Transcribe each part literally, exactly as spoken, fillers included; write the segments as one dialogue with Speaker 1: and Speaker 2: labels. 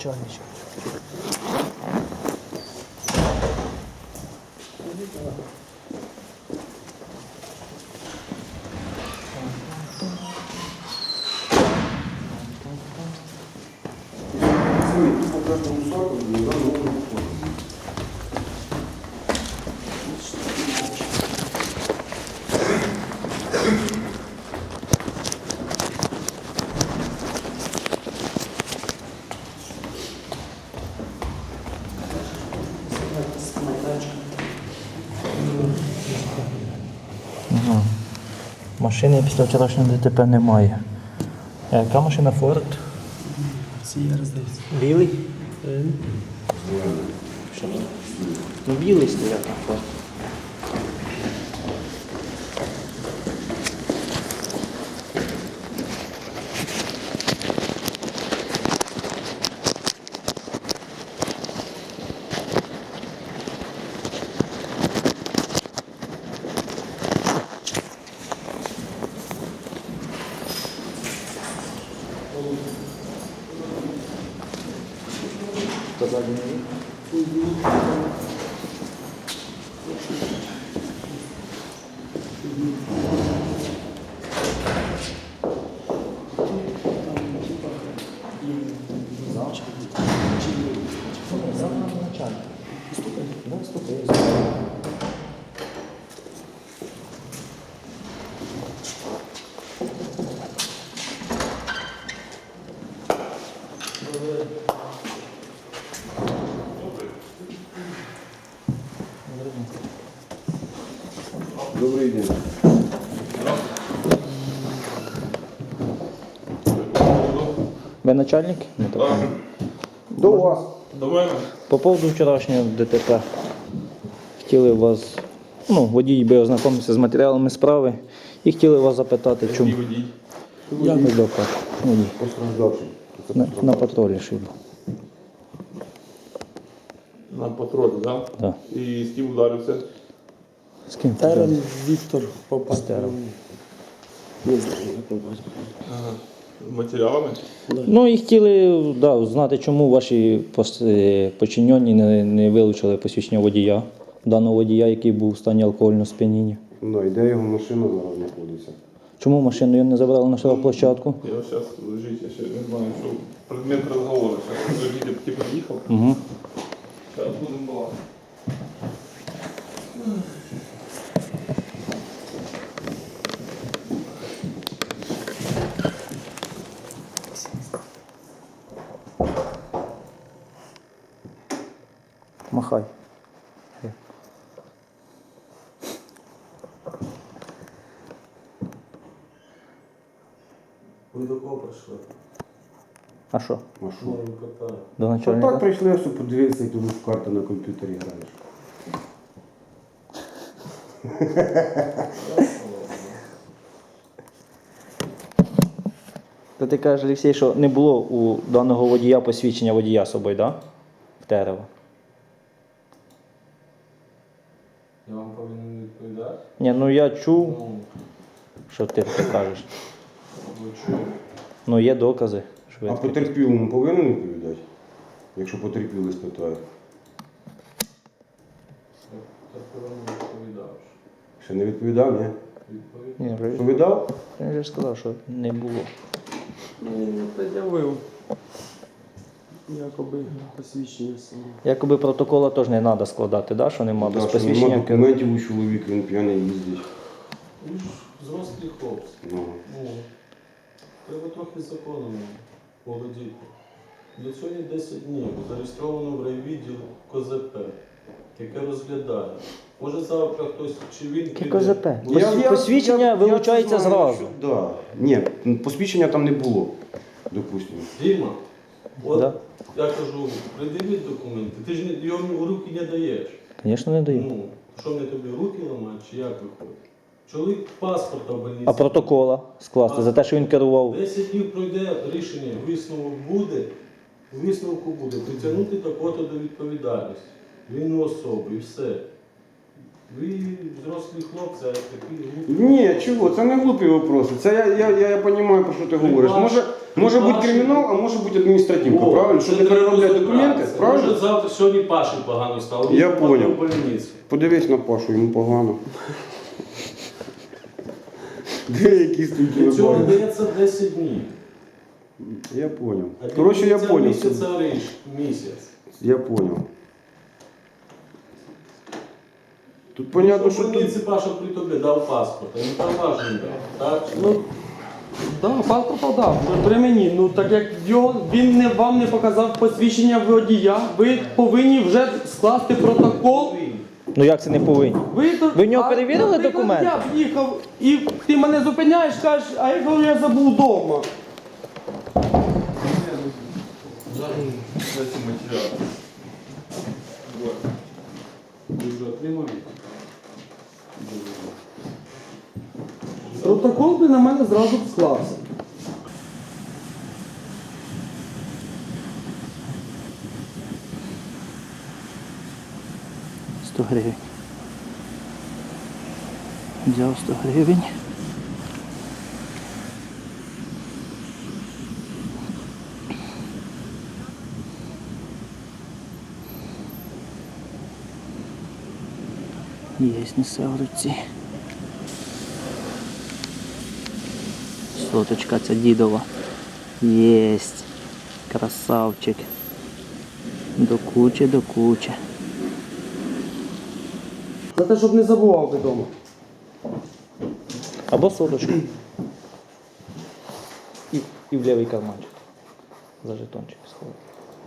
Speaker 1: начальничок. Ага. Машини після вчорашнього ДТП немає. А яка машина Ford?
Speaker 2: Сієра, здається.
Speaker 1: Білий? Що? Ну білий стояв там Ford. Хто задній рік?
Speaker 3: Добрий день.
Speaker 1: Ви начальник? Не так.
Speaker 3: До вас.
Speaker 4: До мене?
Speaker 1: По поводу вчорашнього ДТП. Хотіли вас, ну, водій би ознайомився з матеріалами справи і хотіли вас запитати, чому.
Speaker 4: Який водій?
Speaker 1: Я не доклад. Водій.
Speaker 3: Постраждавший.
Speaker 1: На, на патрулі шибу.
Speaker 4: На патрулі, так?
Speaker 1: Так.
Speaker 4: І з ким ударився?
Speaker 1: З ким?
Speaker 2: Терен Віктор попав.
Speaker 1: Стеров.
Speaker 2: Не знаю, як попав.
Speaker 4: Ага. Матеріалами?
Speaker 1: Ну і хотіли, да, знати, чому ваші пос- е, подчинені не, не вилучили посвідчення водія, даного водія, який був в стані алкогольного сп'яніння.
Speaker 3: Ну, і де його машина зараз знаходиться?
Speaker 1: Чому машину його не забрали на штрафплощадку?
Speaker 4: Я зараз лежить, я ще не знаю, що предмет розговору. Зараз лежить, ти приїхав.
Speaker 1: Угу.
Speaker 4: Зараз будемо балакати.
Speaker 1: Махай.
Speaker 2: Ви до кого прийшли?
Speaker 1: А що?
Speaker 3: А що?
Speaker 2: Ну, питаю.
Speaker 1: До
Speaker 3: А
Speaker 1: начальника?
Speaker 3: так прийшли, я щоб подивитися, як ти в карти на комп'ютері граєш.
Speaker 1: То ти кажеш, Олексій, що не було у даного водія посвідчення водія з собою, так? Да? В Терево.
Speaker 2: Я вам повинен відповідати?
Speaker 1: Ні, ну я чув,
Speaker 2: Ну,
Speaker 1: що ти таке кажеш.
Speaker 2: ви чули?
Speaker 1: Ну є докази. Що ви
Speaker 3: А
Speaker 1: таке-
Speaker 3: потерпілому повинен відповідати? Якщо потерпілий спитає.
Speaker 2: Так повинен відповідав.
Speaker 3: Ще не відповідав, ні?
Speaker 2: Відповідь?
Speaker 1: Ні, вже-
Speaker 3: Відповідав?
Speaker 1: я вже сказав, що не було.
Speaker 2: Ні, не пред'явив. Якоби посвідчення саме.
Speaker 1: Якоби протокола теж не треба складати, да? Що нема без
Speaker 3: Так, що нема
Speaker 1: посвідчення.
Speaker 3: документів у чоловіка, він п'яний їздить.
Speaker 2: Ви ж взрослі хлопці.
Speaker 3: Ну.
Speaker 2: Ну, треба трохи законом володіти. Для цього є десять днів. Зареєстровано в райвідділ КОЗП, яке розглядає. Може завтра хтось чи він
Speaker 1: Яке
Speaker 2: піде.
Speaker 1: КЗП?
Speaker 2: Ну,
Speaker 1: Я-
Speaker 2: я-
Speaker 1: посвідчення
Speaker 3: я-
Speaker 1: вилучається
Speaker 3: я це знаю,
Speaker 1: зразу.
Speaker 3: що- Да. Ні, посвідчення там не було, допустимо.
Speaker 2: Діма, от
Speaker 1: Да.
Speaker 2: я кажу, придивіть документи. Ти ж не- його у руки не даєш.
Speaker 1: Звісно, не даю.
Speaker 2: Ну, що мені тобі руки ламати, чи як виходить? Чоловік паспорта в больниці.
Speaker 1: А протокола скласти за те, що він керував.
Speaker 2: десять днів пройде рішення, висновок буде, у висновку буде притягнути такого до відповідальності. Вільну особу і все. Ви взрослі хлопці, а такі глупі.
Speaker 3: Ні, чого, це не глупі вопроси. Це я, я, я, я розумію, про що ти говориш.
Speaker 2: ваш-
Speaker 3: Може, може
Speaker 2: при
Speaker 3: бути
Speaker 2: вашій-
Speaker 3: кримінал, а може бути адміністративка,
Speaker 2: О,
Speaker 3: правильно?
Speaker 2: це
Speaker 3: Щоб не
Speaker 2: треба
Speaker 3: переробляти
Speaker 2: розібратися.
Speaker 3: документи, правильно?
Speaker 2: Може завтра, сьогодні Паші погано стало.
Speaker 3: Я
Speaker 2: він попаде
Speaker 3: понял.
Speaker 2: в больницю.
Speaker 3: Подивись на Пашу, йому погано. Де якісь тут
Speaker 2: Для цього
Speaker 3: вибори?
Speaker 2: дається десять днів.
Speaker 3: Я понял.
Speaker 2: А для
Speaker 3: Коротше, я
Speaker 2: кінця
Speaker 3: понял.
Speaker 2: Місяця ріж, місяць.
Speaker 3: Я понял. Тут понятно, що
Speaker 2: в
Speaker 3: тут...
Speaker 2: больниці Паша при тобі дав паспорт, а він там важний дав. Так?
Speaker 5: Ну, да, паспорт дав, при мені. Ну так як його, він не, вам не показав посвідчення водія, ви повинні вже скласти протокол.
Speaker 1: Ну як це не повинні?
Speaker 5: Ви, то-
Speaker 1: Ви в нього
Speaker 5: а,
Speaker 1: перевірили
Speaker 5: наприклад,
Speaker 1: документи?
Speaker 5: Я приїхав і ти мене зупиняєш, кажеш, а я кажу, я забув вдома.
Speaker 4: Ці матеріали.
Speaker 2: Ви вже отримали?
Speaker 5: Протокол би на мене зразу б склався.
Speaker 1: сто гривень. Взяв сто гривень. Єсть, несе в руці. Соточка ця дідова. Єсть. Красавчик. До кучі, до кучі.
Speaker 5: За те, щоб не забував вдома.
Speaker 1: Або соточку. І, і в лівий карманчик. За жетончик сховати.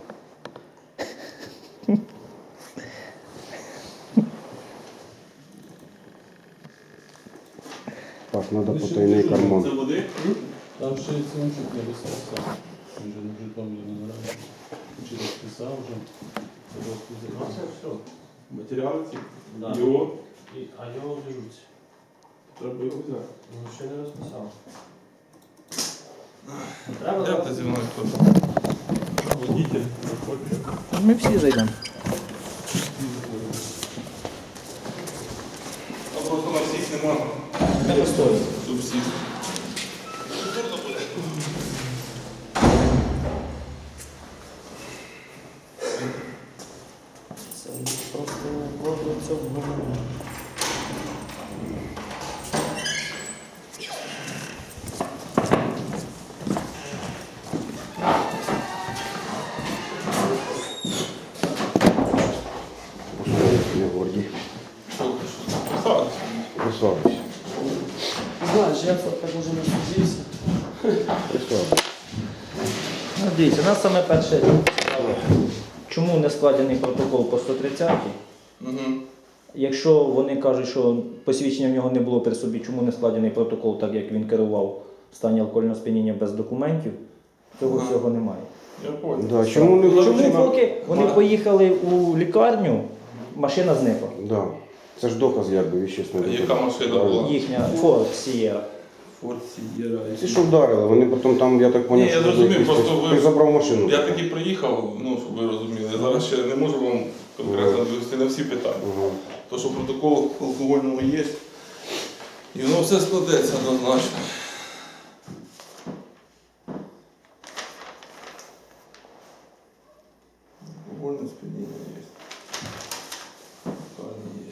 Speaker 3: Так, треба потайний карман.
Speaker 4: Це води?
Speaker 2: Там ще й синчик не розписав. Він же в Житомирі не нравиться. Чи розписав вже.
Speaker 4: Ну, це все. Матеріали ці.
Speaker 2: Да.
Speaker 4: Його.
Speaker 2: І, а його беруть.
Speaker 4: Треба його взяти.
Speaker 2: Ну, ще не розписав.
Speaker 4: Як ти зі мною тут? Водитель.
Speaker 1: Ми всі зайдемо.
Speaker 4: А просто на всіх немає.
Speaker 1: Не постоїть.
Speaker 4: Тут всіх.
Speaker 1: Це просто воду цього.
Speaker 3: Не горді.
Speaker 4: Що ти? Що?
Speaker 3: Присадись.
Speaker 5: Знаєш, я так уже не судився.
Speaker 3: Присадись.
Speaker 1: Ну, дивіться, у нас саме перше. Чому не складений протокол по сто тридцятій?
Speaker 4: Угу.
Speaker 1: Якщо вони кажуть, що посвідчення в нього не було при собі, чому не складений протокол, так як він керував в стані алкогольного сп'яніння без документів, цього
Speaker 4: Ага.
Speaker 1: всього немає.
Speaker 4: Я понял.
Speaker 3: Да, чому не
Speaker 1: Чому поки вони поїхали у лікарню, машина зникла.
Speaker 3: Да. Це ж доказ, якби, віщесний
Speaker 4: А
Speaker 3: доказ.
Speaker 4: яка машина була?
Speaker 1: Їхня Ford Sierra.
Speaker 4: Форт Сієра.
Speaker 3: Ті, що вдарили, вони потім там, я так
Speaker 4: Ні,
Speaker 3: поняв,
Speaker 4: я
Speaker 3: що
Speaker 4: зрозумів,
Speaker 3: якийсь-
Speaker 4: просто ви-
Speaker 3: ти забрав машину.
Speaker 4: Я таки приїхав, ну, щоб ви розуміли. Я зараз ще не можу вам конкретно відповісти на всі питання.
Speaker 3: Ага.
Speaker 4: То, що протокол алкогольного є, і воно все складеться однозначно. Алкогольне сп'яніння є. Правильно є.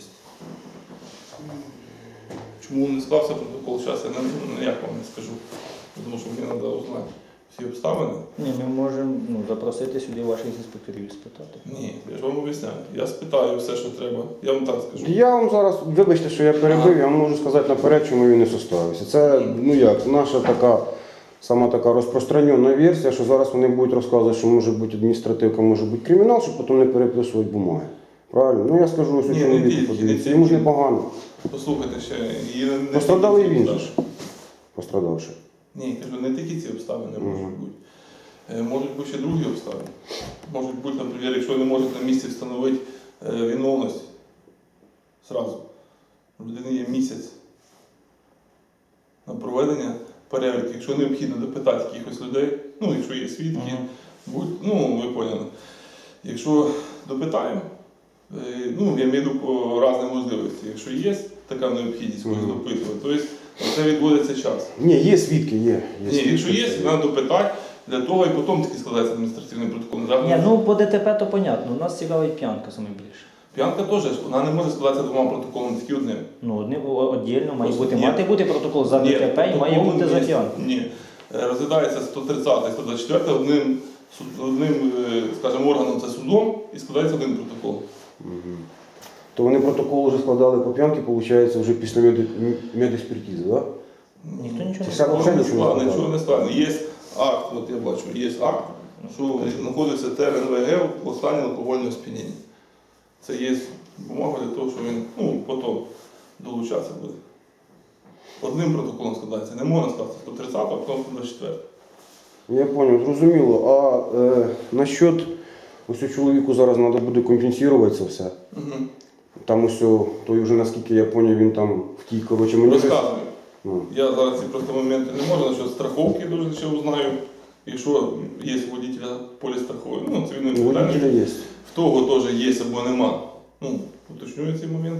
Speaker 4: Чому не склався протокол, зараз я не, ніяк вам не скажу. Тому що мені треба узнати всі обставини.
Speaker 1: Ні, ми можемо ну, запросити сюди ваших інспекторів і спитати.
Speaker 4: Ні, я ж вам об'ясняю. Я спитаю все, що треба. Я вам так скажу.
Speaker 3: Я вам зараз, вибачте, що я перебив, я вам можу сказати наперед, чому він не составився. Це, ну як, наша така, сама така розпространена версія, що зараз вони будуть розказувати, що може бути адміністративка, може бути кримінал, щоб потім не переписувати бумаги. Правильно? Ну я скажу, ось
Speaker 4: Ні,
Speaker 3: чоловіку,
Speaker 4: не тільки,
Speaker 3: подивіться,
Speaker 4: не
Speaker 3: йому ж
Speaker 4: тільки.
Speaker 3: непогано.
Speaker 4: Послухайте ще. І не, не
Speaker 3: Пострадали і
Speaker 4: тільки ці
Speaker 3: він же ж,
Speaker 4: обставини.
Speaker 3: пострадавши.
Speaker 4: Ні, кажу, не тільки ці обставини
Speaker 3: Мгм.
Speaker 4: можуть бути. Е, Можуть бути ще другі обставини. Можуть бути, наприклад, якщо не можуть на місці встановити е, виновність зразу. У людини є місяць на проведення перевірки. Якщо необхідно допитати якихось людей, ну, якщо є свідки,
Speaker 1: Мгм.
Speaker 4: будь, ну, ви поняли. Якщо допитаємо, Е, Ну, я маю в виду по різних можливостях. Якщо є така необхідність когось
Speaker 3: Мгм.
Speaker 4: допитувати, то есть це відводиться час.
Speaker 3: Ні, є свідки, є. є
Speaker 4: Ні,
Speaker 3: свідки,
Speaker 4: якщо є,
Speaker 3: це
Speaker 4: треба допитати, для того і потім тільки складається адміністративний протокол. Зараз
Speaker 1: Ні, ну по ДТП то понятно, нас цікавить п'янка саме більше.
Speaker 4: П'янка теж, вона не може складатися двома протоколами, тільки одним.
Speaker 1: Ну, одним віддільно має
Speaker 4: Просто
Speaker 1: бути,
Speaker 4: ні.
Speaker 1: мати бути протокол за
Speaker 4: Ні,
Speaker 1: ДТП і має
Speaker 4: протокол
Speaker 1: бути за
Speaker 4: є-
Speaker 1: п'янку.
Speaker 4: Ні. Е, Розглядається сто тридцятий, сто двадцять четвертий одним, суд- одним е, скажімо, органом, це судом, і складається один протокол.
Speaker 3: Мгм. То вони протокол вже складали по п'янки, виходить, вже після меди- медекспертизи, так? Да?
Speaker 1: Ніхто нічого не
Speaker 3: Це
Speaker 1: сказав.
Speaker 3: взагалі
Speaker 4: Нічого
Speaker 3: нічого
Speaker 4: не
Speaker 3: не
Speaker 4: нічого не складно. Є акт, от я бачу, є акт, що знаходиться ТРНВГ в стані алкогольного сп'яніння. Це є бумага для того, що він ну, потім долучатися буде. Одним протоколом складається, не можна скласти сто тридцятого, а потім сто двадцять четвертого.
Speaker 3: Я зрозумів, зрозуміло. А е, насчет ось у чоловіку зараз треба буде компенсувати це все.
Speaker 4: Угу.
Speaker 3: Там ось о, той вже, наскільки я зрозумів, він там втік, коротше, мені.
Speaker 4: Розказую.
Speaker 3: Ну.
Speaker 4: Я зараз ці просто моменти не можу, насчет страховки дуже ще узнаю. Якщо є у водителя поліс страхової, ну цивільної
Speaker 3: У водителя
Speaker 4: відповідальності,
Speaker 3: є.
Speaker 4: в того теж є або нема. Ну, уточнюю цей момент.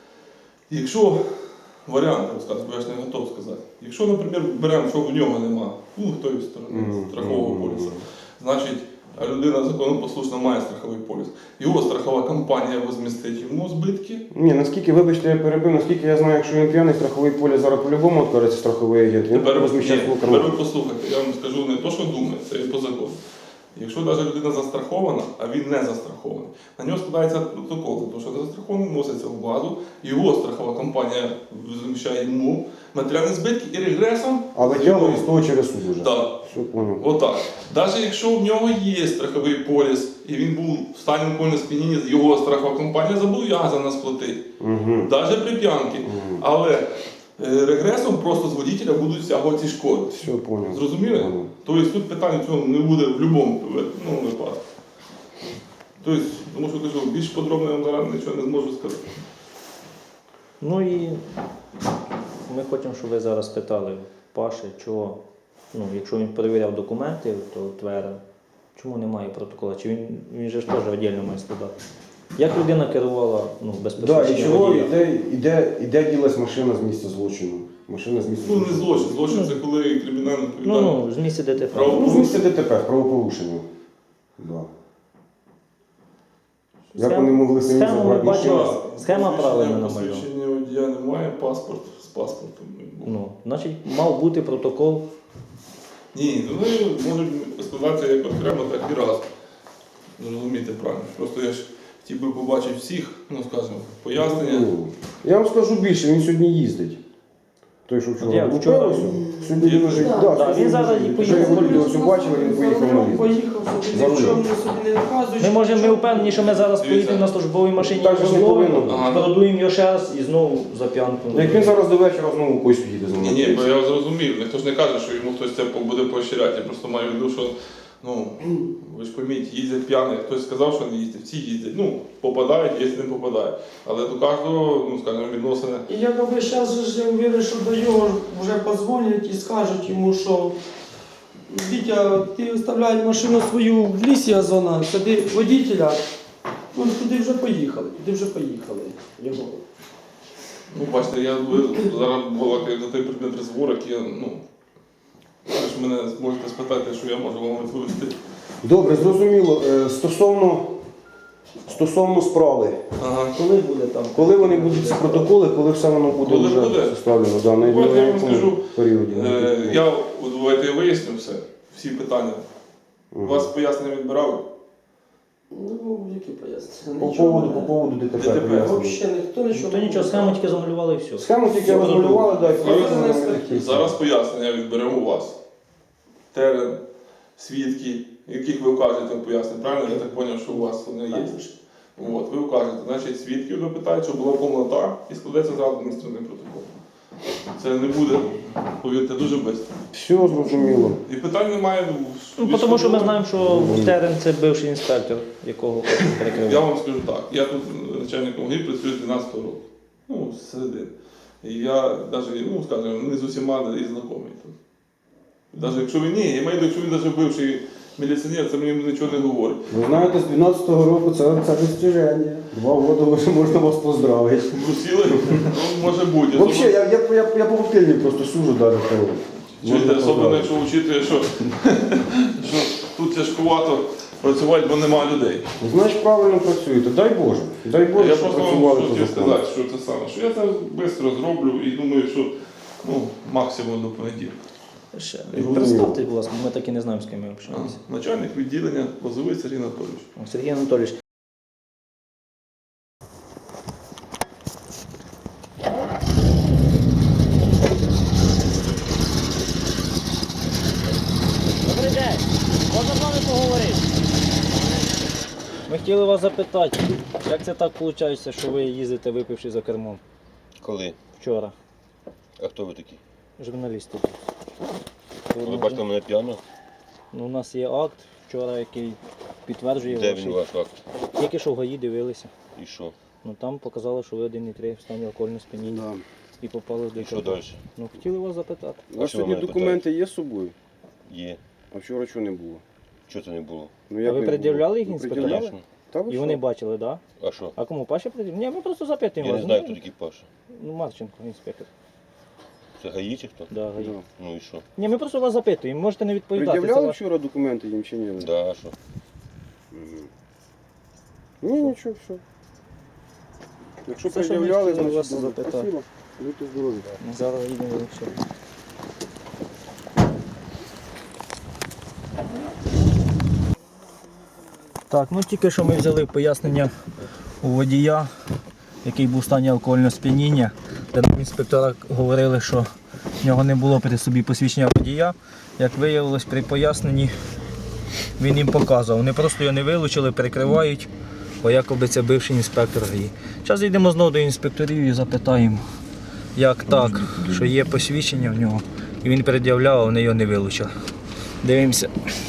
Speaker 4: Якщо варіанти розказати, бо я ж не готов сказати. Якщо, наприклад, беремо, що в нього нема, ну, тої сторони
Speaker 3: Мгм.
Speaker 4: страхового
Speaker 3: Мгм.
Speaker 4: поліса, значить, а людина законопослушно має страховий поліс. Його страхова компанія возмістить йому збитки.
Speaker 3: Ні, наскільки, вибачте, я перебив, наскільки я знаю, якщо він п'яний, страховий поліс зараз по-любому відкажеться страховий агент. Він
Speaker 4: Тепер, ні,
Speaker 3: розміщає свого
Speaker 4: тепер ви
Speaker 3: карману.
Speaker 4: послухайте, я вам скажу не то, що думає, це і по закону. Якщо навіть людина застрахована, а він не застрахований, на нього складається протокол, тому що застрахований вноситься в базу, його страхова компанія заміщає йому матеріальні збитки і регресом.
Speaker 3: А витягує з того через суд уже.
Speaker 4: Так.
Speaker 3: Все, понял.
Speaker 4: Отак. Навіть якщо в нього є страховий поліс, і він був в стані алкогольного сп'яніння, його страхова компанія зобов'язана сплатити.
Speaker 3: Угу.
Speaker 4: Навіть при п'янці.
Speaker 3: Мгм.
Speaker 4: Але е, регресом просто з водителя будуть стягувати ці шкоди.
Speaker 3: Все, понял.
Speaker 4: Зрозуміли?
Speaker 3: Понял.
Speaker 4: Тобто тут питання цього не буде в будь-якому ну, випадку. Тобто, тому що кажу, більш подробно я вам зараз нічого не зможу сказати.
Speaker 1: Ну і ми хочемо, щоб ви зараз питали Паші, чого, ну, якщо він перевіряв документи, то Твера, чому немає протокола? Чи він, він же ж теж віддільно має складати? Як людина керувала ну, без
Speaker 3: Да, і
Speaker 1: посвідчення
Speaker 3: чого
Speaker 1: водія?
Speaker 3: іде, іде, іде ділась машина з місця злочину? Машина з місця
Speaker 4: Ну, не
Speaker 3: злочину.
Speaker 4: злочин. Злочин це коли кримінальна
Speaker 1: Ну,
Speaker 4: відповідальність.
Speaker 1: ну, з місця ДТП.
Speaker 4: Право-
Speaker 3: Ну, з місця ДТП, правопорушення. Да. Як вони могли самі
Speaker 1: схему ми
Speaker 3: забрати
Speaker 1: бачили.
Speaker 3: машину?
Speaker 1: Схема правильно намальована.
Speaker 4: Посвідчення водія немає, паспорт з паспортом. не було.
Speaker 1: Ну, значить, мав бути протокол.
Speaker 4: Ні, ну вони можуть складатися як окремо, так і разом. Зрозумієте правильно. Просто я ж хотів би побачити всіх, ну скажімо, пояснення.
Speaker 3: Ну, я вам скажу більше, він сьогодні їздить. Той, що
Speaker 1: Я
Speaker 3: вчора був
Speaker 1: вчора-
Speaker 3: вчора, сьогодні
Speaker 4: Є-
Speaker 3: лежить.
Speaker 5: Да,
Speaker 3: Да,
Speaker 1: да,
Speaker 3: сьогодні
Speaker 1: він зараз
Speaker 3: лежить.
Speaker 1: і
Speaker 3: Вже
Speaker 1: поїхав.
Speaker 3: його люди ось побачили, він поїхав на ліс.
Speaker 5: Поїхав собі,
Speaker 3: За рулем.
Speaker 5: якщо вони собі не наказують.
Speaker 1: Ми можемо, ми впевнені, що ми зараз
Speaker 4: Дивіться.
Speaker 1: поїдемо на службовій машині,
Speaker 3: Так же ж не повинно бути.
Speaker 4: Ага.
Speaker 1: продуємо його ще раз і знову за п'янку.
Speaker 3: Ну, як він зараз до вечора знову когось їде за
Speaker 4: Ні,
Speaker 3: мною.
Speaker 4: ні, бо я зрозумів. Ніхто ж не каже, що йому хтось це буде поощряти. Я просто маю в виду, що ну, ви ж пойміть, їздять п'яні. Хтось сказав, що не їздять, всі їздять. Ну, попадають, якщо не попадають. Але до кожного, ну скажімо, відносини.
Speaker 5: І якби зараз я вірю, що до його вже подзвонять і скажуть йому, що Вітя, ти виставляй машину свою в лісі Азона, сади водителя. Ну, туди вже поїхали, туди вже поїхали. Його.
Speaker 4: Ну, бачите, я ви зараз була за той предмет розговорок, я, ну, ви ж мене зможете спитати, що я можу вам відповісти.
Speaker 3: Добре, зрозуміло. Е, Стосовно, стосовно справи.
Speaker 4: Ага.
Speaker 1: Коли буде там?
Speaker 3: Коли вони будуть ці протоколи, коли все воно буде
Speaker 4: Коли
Speaker 3: вже
Speaker 4: буде?
Speaker 3: составлено, да, на
Speaker 4: Давайте я вам
Speaker 3: якому
Speaker 4: скажу.
Speaker 3: періоді?
Speaker 4: Е, я, от, давайте я виясню все, всі питання. У
Speaker 3: Мгм.
Speaker 4: вас пояснення відбирали?
Speaker 5: Ну, які пояснення?
Speaker 3: По
Speaker 5: Нічого
Speaker 3: поводу,
Speaker 5: не-
Speaker 3: по поводу ДТП.
Speaker 4: ДТП.
Speaker 3: пояснюю.
Speaker 5: Взагалі ніхто нічого.
Speaker 1: То нічого, схему тільки замалювали і все.
Speaker 3: Схему тільки
Speaker 1: Все
Speaker 3: розмалювали, да, і
Speaker 5: Зараз
Speaker 3: пояснювали
Speaker 5: не
Speaker 3: на них.
Speaker 4: Зараз пояснення відберемо у вас. Терен, свідки, яких ви вкажете в пояснення, правильно? Я так зрозумів, що у вас вони є. От, ви вкажете, значить, свідків допитають, що була повнота і складеться зразу адміністративний протокол. Це не буде, повірте, дуже швидко.
Speaker 3: Все зрозуміло.
Speaker 4: І питань немає.
Speaker 1: Ну, тому що ми знаємо, що Терен це бивший інспектор, якого
Speaker 4: Я
Speaker 1: перекривав.
Speaker 4: вам скажу так, я тут начальником ГАІ працюю з дванадцятого року. Ну, з середини. І я навіть, ну, скажімо, не з усіма і знайомий тут. Навіть якщо він ні, я маю в виду, якщо він навіть бивший міліціонер, це мені нічого не говорить.
Speaker 3: Ви знаєте, з дванадцятого року це, це достиження. Два роки вже можна вас поздравити.
Speaker 4: Брусіли? Ну, може бути.
Speaker 3: Взагалі, я, я, я, я по коктейльні просто сужу далі.
Speaker 4: Чуєте, особливо, якщо вчити, що, що тут тяжкувато працювати, бо нема людей.
Speaker 3: Ну, значить, правильно працюєте. Дай Боже. Дай Боже,
Speaker 4: Я
Speaker 3: щоб
Speaker 4: просто
Speaker 3: працювали
Speaker 4: вам
Speaker 3: по
Speaker 4: хотів
Speaker 3: закону.
Speaker 4: сказати, що це саме, що я це швидко зроблю і думаю, що ну, максимум до понеділка.
Speaker 1: Ще.
Speaker 3: Зрозуміло.
Speaker 1: Представте, будь ласка, ми так і не знаємо, з ким ми общаємося.
Speaker 4: Начальник відділення Лозовий Сергій Анатолійович.
Speaker 1: Сергій Анатолійович. Добрий день, можна з вами поговорити? Ми хотіли вас запитати, як це так виходить, що ви їздите випивши за кермом
Speaker 6: Коли?
Speaker 1: вчора?
Speaker 6: А хто ви такі?
Speaker 1: Журналісти.
Speaker 6: Ви бачите мене п'яно?
Speaker 1: Ну, у нас є акт вчора, який підтверджує
Speaker 6: Де
Speaker 1: ваші.
Speaker 6: він ваш акт?
Speaker 1: Тільки що в ГАІ дивилися.
Speaker 6: І що?
Speaker 1: Ну там показало, що ви один і три в стані алкогольного сп'яніння
Speaker 3: Да.
Speaker 1: і попали в
Speaker 6: І що
Speaker 1: ДТП.
Speaker 6: далі?
Speaker 1: Ну хотіли вас запитати.
Speaker 3: У вас
Speaker 6: що ви
Speaker 3: сьогодні
Speaker 6: мене
Speaker 3: документи є з собою?
Speaker 6: Є.
Speaker 3: А вчора чого не було?
Speaker 6: Чого це не було?
Speaker 3: Ну,
Speaker 1: А
Speaker 3: як
Speaker 1: ви
Speaker 3: не
Speaker 1: пред'являли
Speaker 3: було?
Speaker 1: їх
Speaker 3: Ну,
Speaker 1: інспекторам?
Speaker 3: пред'являли.
Speaker 6: Конечно.
Speaker 3: Та ви
Speaker 1: І вони
Speaker 3: що?
Speaker 1: бачили, так? Да?
Speaker 6: А що?
Speaker 1: А кому Паші пред'являли? Ні, ми просто запитуємо
Speaker 6: Я
Speaker 1: вас.
Speaker 6: не знаю,
Speaker 1: Ну,
Speaker 6: хто такий Паша.
Speaker 1: Ну, Марченко, інспектор.
Speaker 6: Це гаї чи хто?
Speaker 1: Да, ГАІ.
Speaker 3: Да.
Speaker 6: Ну і що?
Speaker 1: Ні, ми просто вас запитуємо, можете не відповідати. Це
Speaker 3: Пред'являли
Speaker 1: ваш...
Speaker 3: вчора документи їм чи ні?
Speaker 6: Да, а що?
Speaker 3: Мгм. Ні, нічого, все. Якщо
Speaker 1: Це, що ми
Speaker 3: пред'являли,
Speaker 1: хотіли
Speaker 3: значить
Speaker 1: вас
Speaker 3: добре.
Speaker 1: запитати.
Speaker 3: Спасибо. Будьте здорові.
Speaker 1: Зараз їдемо ще. Так, ну тільки що ми взяли пояснення у водія, який був в стані алкогольного сп'яніння, де нам інспектора говорили, що в нього не було при собі посвідчення водія. Як виявилось, при поясненні він їм показував. Вони просто його не вилучили, перекривають, бо якоби це бивший інспектор ГАІ. Зараз йдемо знову до інспекторів і запитаємо, як так, що є посвідчення в нього, і він пред'являв, а вони його не вилучили. Дивимося.